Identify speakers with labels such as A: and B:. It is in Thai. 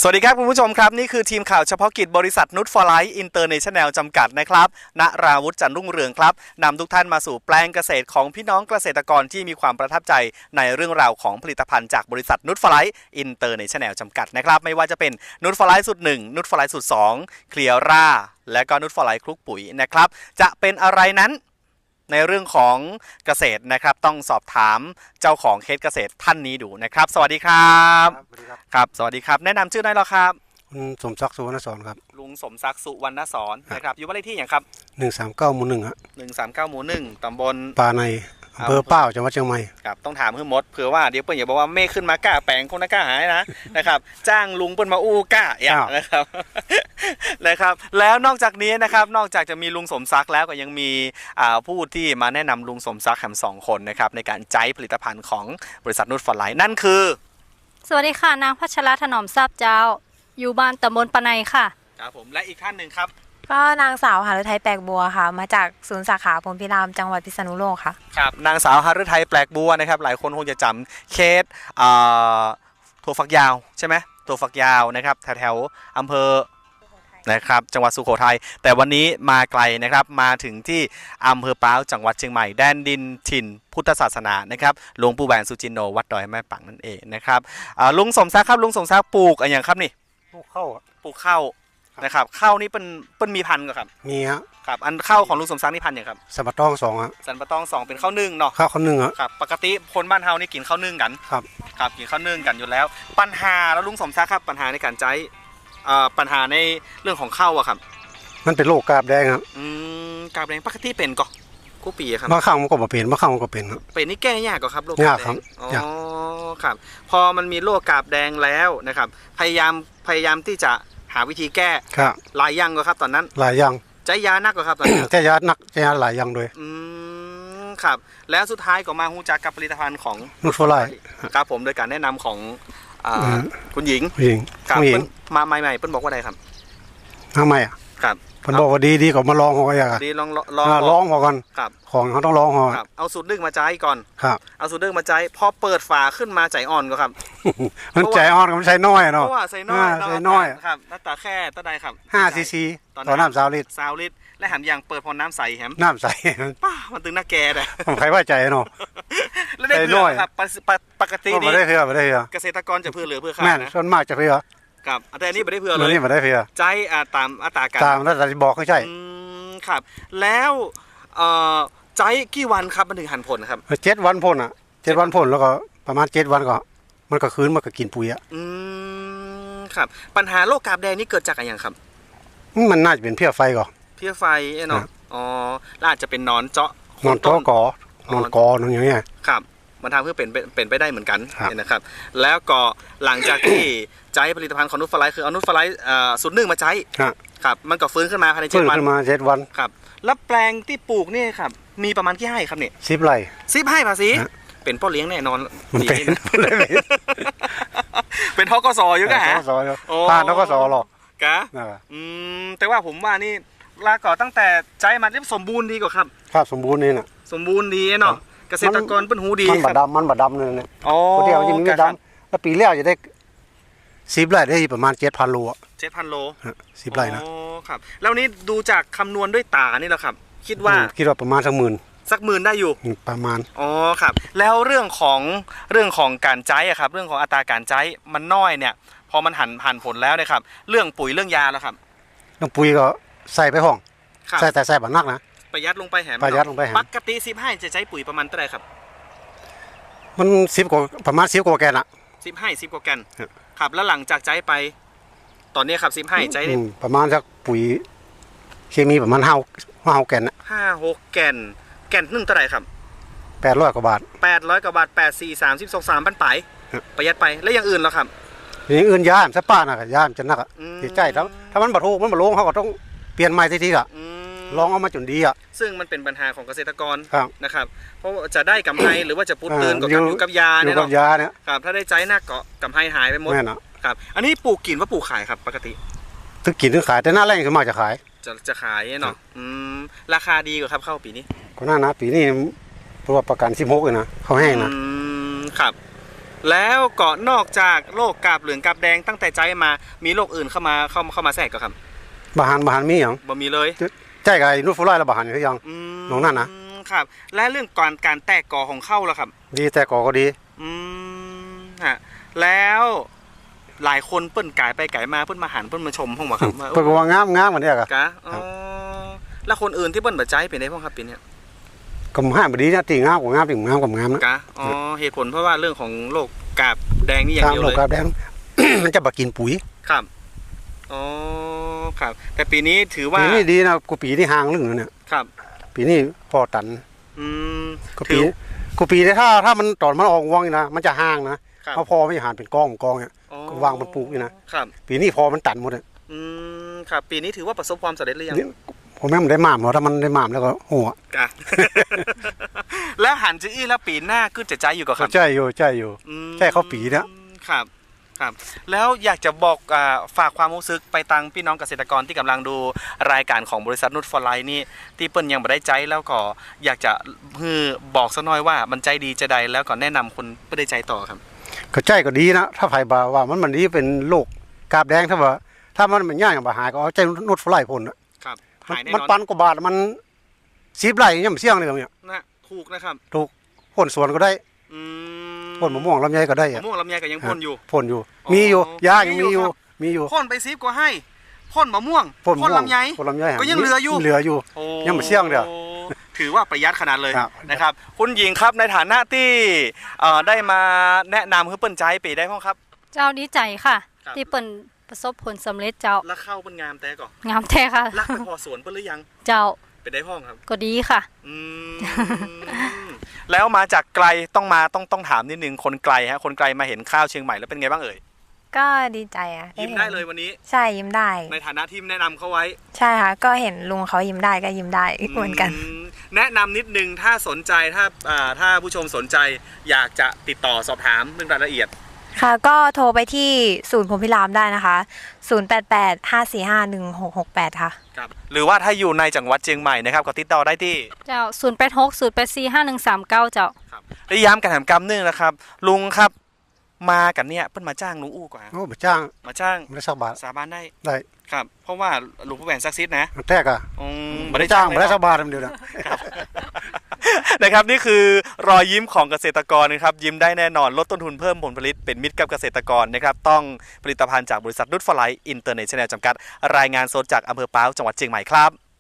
A: สวัสดีครับคุณผู้ชมครับนี่คือทีมข่าวเฉพาะกิจบริษัทนุชฟอร์ไลท์อินเตอร์เนชั่นแนลจำกัดนะครับณราวุฒิจันทร์รุ่งเรืองครับนำทุกท่านมาสู่แปลงเกษตรของพี่น้องเกษตรกรที่มีความประทับใจในเรื่องราวของผลิตภัณฑ์จากบริษัทนุชฟอร์ไลท์อินเตอร์เนชั่นแนลจำกัดนะครับไม่ว่าจะเป็นนุชฟอร์ไลท์สูตร1นุชฟอร์ไลท์สูตร2เคลียร่าและก็นุชฟอร์ไลท์คลุกปุ๋ยนะครับจะเป็นอะไรนั้นในเรื่องของเกษตรนะครับต้องสอบถามเจ้าของเคสเกษตรท่านนี้ดูนะครับสวัสดีครับครับสวัสดีครับแนะนำชื่อได้หรอครับ
B: คุณสมศักดิ์สุวรรณสอนครับ
A: ลุงสมศักดิ์สุวรรณสอนนะครับอยู่บ้านเลขที่อย่างครับ
B: 139 หมู่ 1ฮะ
A: 139 หมู่ 1ตำบล
B: ป่าในอำเภอเป้าจังหวัดเชียงใหม่
A: ครับต้องถามเพื่อนมดเผื่อว่าเดี๋ยวเปิ้ลอย่าบอกว่าเมฆขึ้นมากล้าแปลงคงน่ากล้าหายนะครับจ้างลุงเปิ้ลมาอู้กล้าอย่างนะครับนะครับแล้วนอกจากนี้นะครับนอกจากจะมีลุงสมศักดิ์แล้วก็ยังมีผู้ที่มาแนะนำลุงสมศักดิ์แถม2 คนนะครับในการใช้ผลิตภัณฑ์ของบริษัทนุชฟอร์ไลท์นั่นคือ
C: สวัสดีค่ะนางพัชรถนอมทราบเจ้าอยู่บ้านตำบลปะไนค่ะ
A: ครับผมและอีกท่านหนึ่งครับ
D: ก็นางสาวหฤทัยแปลกบัวค่ะมาจากศูนย์สาขาพรหมพิรามจังหวัดพิษณุโลกค่ะ
A: ครับนางสาวหฤทัยแปลกบัวนะครับหลายคนคงจะจำเคสถั่วฝักยาวใช่ไหมถั่วฝักยาวนะครับแถวอำเภอนะครับจังหวัดสุโขทัยแต่วันนี้มาไกลนะครับมาถึงที่อำเภอป้าวจังหวัดเชียงใหม่แดนดินถิ่นพุทธศาสนานะครับหลวงปู่แหวนสุจินโนวัดดอยแม่ปังนั่นเองนะครับลุงสมศักดิ์ครับลุงสมศักดิ์ปลูกอะไรอย่างครับนี่
B: ปลูกข้าว
A: นะครับข้าวนี่เป็นมีพันธุ์ก็ครับ
B: มีฮะ
A: ครับอันข้าวของลุงสมศักดิ์นี่พันธุ์อย่างครับ
B: สันปะตอง2ฮะ
A: สันปะตอง2เป็นข้าวนึ่งเนาะ
B: ข้าวนึ่งฮะ
A: ครับปกติคนบ้านเฮานี่กินข้าวนึ่งกันครับกินข้าวนึ่งกันอยู่แล้วปัญหาแล้วลุงสมศักดิ์ครับปัญหาในการใช้ปัญหาในเรื่องของข้าวอะครับ
B: มันเป็นโรคกาบแดงครับ
A: กาบแดงปกติเป็นก่อกูปีครับ
B: บางครั้งมันก็บ่เป็นบางครั้งมันก็เป็น
A: เป็นนี่แก้ยากกว่าครับโรค
B: กาบแดง
A: อ๋อครับพอมันมีโรคกาบแดงแล้วนะครับพยายามที่จะหาวิธีแก้หลายอย่างก็ครับตอนนั้น
B: หลายอย่าง
A: ใจยานักก็ครับตอนนั้น
B: ใจยานักใจยาหลายอย่างด้วย
A: ครับแล้วสุดท้ายก็มาฮู้จักกับผลิตภัณฑ์ของ
B: นุชฟอร์ไลท์
A: ครับผมโดยการแนะนำของคุณหญิงครับมาใหม่ๆเปิ้ลบอกว่าอะไรครับ
B: ทำไมอ่ะ
A: ครับ
B: เปิ้ลบอกว่าดีก็มาลองหัวกัน
A: ดีล
B: องหัวกันของเขาต้องลองหัว
A: เอาสูตรนึ่งมาใจก่อน
B: ครับ
A: เอาสูตรนึ่งมาใจพอเปิดฝาขึ้นมาใจอ่อนก็ครับ
B: มันใจอ่อนก็มันใช้น้อยเนาะ
A: เพราะว่าใส่น้อยครับน้ำตาแค่ตาใดครับ
B: 5 cc ต่อน้ำ20 ลิตร
A: และแหมอย่างเปิดพอน้ำใสแหม
B: น้ำใส
A: ป้ามันตึงหน้าแกเลย
B: ผมใครว่าใจเนาะ
A: แล้วได้เพื่อครับปกตินี้
B: ไม่ได้เพื่อเ
A: กษตรกรจะเพื่อหรือเพื่อข้านะ
B: ส่วนมากจะเพื่อ
A: ครับแต่อันนี้ไม่ได้เพื่อเลย
B: นี่ไม่ได้เพื่อ
A: ใจตามอัตราการ
B: ตามแล้วแต่บอกให้ใช่
A: ครับแล้วใจกี่วันครับมันถึงหันผลครับ
B: 7 วันผล7 วันผลแล้วก็ประมาณ7 วันก็มันก็คืนมันก็กินปุ๋ย
A: ครับปัญหาโรคกาบแดงนี่เกิดจากอะไรอย่างครับ
B: มันน่าจะเป็นเพี้ยไฟก่อน
A: เพี้ยไฟเนาะอ๋อแล้วอาจจะเป็นนอนเจาะ
B: นอนกอนอย่างเงี้ย
A: ครับมันทำเพื่อเป็นไปได้เหมือนกันนะครับแล้วก็หลังจากที่ใช้ผลิตภัณฑ์ของนุชฟอร์ไลท์คือเอานุชฟอร์ไลท์สูตร1มาใช้ครับมันก็ฟื้นขึ้นมาภายใน7 วัน
B: ขึ้นมา7 วัน
A: ครับแล้วแปลงที่ปลูกนี่ครับมีประมาณกี่ไร่ครับเนี่ย
B: 10 ไร่
A: 10 ไร่ภาษีเป็นพ่อเลี้ยงแน่นอน
B: มัน
A: เป็นทกสอยู่กะฮะ
B: ผ่านทกสหรอก
A: กะแต่ว่าผมว่านี่ลาก่อตั้งแต่ใจมันเรียบสมบูรณ์ดีกว่า
B: ครับสมบูรณ์นี่น่ะ
A: สมบูรณ์ดีเนาะเกษตรกรเป็นหูดี
B: มันบดดำเลยเนี่ยคนเดียวยังไม่ดำแล้วปีแรกจะได้10 ไร่ได้ประมาณ 7,000 โล
A: 7,000 โล
B: 10 ไร่นะ
A: อ๋อครับแล้วนี้ดูจากคำนวณด้วยตานี่แหละครับคิดว่า
B: ประมาณสักหมื่น
A: ได้อยู่
B: ประมาณ
A: อ๋อครับแล้วเรื่องของการใช้อะครับเรื่องของอัตราการใช้มันน้อยเนี่ยพอมันหันผลแล้วเนี่ยครับเรื่องปุ๋ยเรื่องยาแล้วครับ
B: เรื่องปุ๋ยก็ใส่ไปห้องใส่บัดนักนะ
A: ประหยัดลงไปแหมปกติ15จะใช้ปุ๋ยประมาณเท่าไหร่ครับ
B: มัน10 กว่าประมาณ10 กว่าแกนอะ
A: 10 กว่าแกนครับแล้วหลังจากใช้ไปตอนนี้ครับ15ใช้
B: ประมาณสักปุ๋ยเคมีประมาณ5 แกนนะ
A: 5-6 แกนนึงเท่าไหร่ครับ
B: 800 กว่าบาท
A: 8,432 3,000 ประหยัดไปแล้วอย่างอื่นแล้วครับ
B: อย่างอื่นยามสปาน่ะยามจะนักติดใจถ้ามันบ่ถูกมันบ่ลงเขาก็ต้องเปลี่ยนใหม่ทีๆลองเอามาจนดี
A: ซึ่งมันเป็นปัญหาของเกษตรกรนะครับเพราะจะได้กำไรหรือว่าจะปุดตื่นกับอยู่กับยาเนี่ยเนาะครับถ้าได้ใจหนักก็กำไรหายไปหมดครับอันนี้ปลูกกินว่าปลูกขายครับปกติ
B: ถึงกินถึงขายแต่หน้าแรงขึ้นมาจะขาย
A: จะขายเนาะราคาดีกว่าครับเข้าปีนี้
B: ก็น่านะปีนี้เพราะว่าประกัน16เลยนะเขาให้นะครับ
A: แล้วก็นอกจากโรคกาบเหลืองกาบแดงตั้งแต่ใจมามีโรคอื่นเข้ามาแทรกก็ครับ
B: บาหารมีหยัง
A: บ่มีเลย
B: ใจกับไอ้นูตฟลอยแล้วบาหารอยู่ยัง น้องนั่นนะ
A: ครับและเรื่องการแตกกอของเข้าล่ะครับ
B: ดีแต่ก่อก็ดี
A: ฮะแล้วหลายคนเปิ้นกายไปกายมาเปิ้นมาหันเปิ้นมาชมห้องบ่ครับว่า
B: เพิ่นก็ว่างามๆมันเนี่ยก็
A: กะอ๋อแล้วคนอื่นที่เปิ้นบ่ใจเป็นได้พ่องครับปีเนี้ย
B: ก็ห้ามบ่ดีนะติงามกว่างามติงามกว่างามนะ
A: กะอ๋อเหตุผลเพราะว่าเรื่องของโรคกาบแดงนี่อย่าง
B: ตาม
A: เดียว
B: โล
A: เลย
B: กาแดง มันจะบ่กินปุ๋ย
A: ครับอ๋อครับแต่ปีนี้ถือว่า
B: ปีนี้ดีนะกูปีที่ห่างเรื่องนึงเนี่ย
A: ครับ
B: ปีนี้พอตัน
A: อืม
B: กู
A: ถื
B: ปี
A: อ
B: กูปีนี้ถ้ามันตอนมันออกวงนี่นะมันจะห่างนะครับ เพราะพอไม่หารเป็นกองเนี่ย
A: อ๋อ
B: ก็วางบนปลูกนี่นะครับ ปีนี้พอมันตันหมดเลย
A: ครับปีนี้ถือว่าประสบความสำเร็จหรือยัง
B: ผมแม่มันได้หมามเหรอถ้ามันได้หมามแล้วก็หัว
A: กะ แล้วหันจะอี้แล้วปีหน้าก็จะใจอยู่กับครับ
B: ใจอยู่ใช่เขาปีนะครับ
A: ครับแล้วอยากจะบอกฝากความรู้สึกไปตังพี่น้องเกษตรกรที่กำลังดูรายการของบริษัทนุชฟอร์ไลน์นี่ที่เปิ้นยังไม่ได้ใจแล้วก็อยากจะบอกสักหน่อยว่ามันใจดีจะใดแล้วก็แนะนำคนไม่ได้ใจต่อครับ
B: ก็ใจก็ดีนะถ้าไผบ่าว่ามันดีเป็นโรคกาบแดงถ้ามันย่างอย่างบ่หายก็เอาใจนุชฟลายพ่นน่ะ
A: ครับหายแน่
B: มัน
A: นอน
B: ปันกว่าบาทมัน10ไร่ยังเสี่ยงเลยเนี่ย
A: นะถูกนะครับ
B: พ่นสวนก็ได้
A: อืม
B: พ่นมะม่วงลำไยก็ได้
A: มะม่วงลำไยก็ยังพ่นอยู่
B: พ่นอยู่
A: อ๋อ
B: มีอยู่ยายัง
A: มี
B: มี
A: อ
B: อยู่ ยู่
A: ครับ
B: มีอยู่
A: พ่นไป10ก็ให้พ่นมะม่วง
B: พ่นมะม่วง
A: ลำไย
B: พ่นลำไย
A: ก็ยังเหลืออยู่ โอ้
B: ยังไม่เสี่ยงเด้อ
A: ถือว่าประหยัดขนาดเลย
B: ครับ
A: นะครับ คุณหญิงครับในฐานะที่ได้มาแนะนำให้เปิ้นใจปีได้พ้องครับ
C: เจ้าดีใจค่ะ
A: ครับ
C: ที่เปิ่นประสบผลสำเร็จเจ้า
A: แล้วเข้าเป็นงามแต่ก่อน
C: งามแท้ค่ะ
A: รักไปพอสวนเปิ้นหรือยัง
C: เจ้า
A: ไปได้พ้องครับ
C: ก็ดีค่ะ
A: อืม แล้วมาจากไกลต้องถามนิดนึงคนไกลฮะคนไกลมาเห็นข้าวเชียงใหม่แล้วเป็นไงบ้างเอ่ย
D: ก็ดีใจอะ
A: ยิ้มได้เลยวันนี้
D: ใช่ยิ้มได้
A: ในฐานะที่แนะนำเขาไว้
D: ใช่ค่ะก็เห็นลุงเขายิ้มได้ก็ยิ้มได้เหมือนกัน
A: แนะนำนิดนึงถ้าสนใจถ้าผู้ชมสนใจอยากจะติดต่อสอบถามเรื่องรายละเอียด
D: ค่ะก็โทรไปที่ศูนย์พรหมพิรามได้นะคะ 0885451668 ค่ะ
A: ครับหรือว่าถ้าอยู่ในจังหวัดเชียงใหม่นะครับก็ติดต่อได้ที่
C: เจ้า0860845139เจ้า
A: ครับได้ย้ำกันแถมกำนึงนะครับ ลุงครับมากันเนี่ยเพิ่นมาจ้างลุงอู้กว่า
B: โอ้บ่จ้าง
A: มาจ้าง
B: ไม่ได้สักบาท
A: สาบานได้
B: ได้
A: ครับ เพราะว่าลุงผู้แหวนซักซิดนะ
B: แท้ก็
A: ไม่
B: บ่
A: ได้
B: ได้
A: จ้า
B: จ้าง ง
A: เล
B: บ่
A: ย
B: ได้
A: เนาะ
B: สักบาทเดียวนะ
A: นะครับนี่คือรอยยิ้มของเกษตรกรนะครับยิ้มได้แน่นอนลดต้นทุนเพิ่มผลผลิตเป็นมิตรกับเกษตรกรนะครับต้องผลิตภัณฑ์จากบริษัทนุชฟอร์ไลท์อินเตอร์เนชั่นแนลจำกัดรายงานสดจากอำเภอป้าวจังหวัดเชียงใหม่ครับ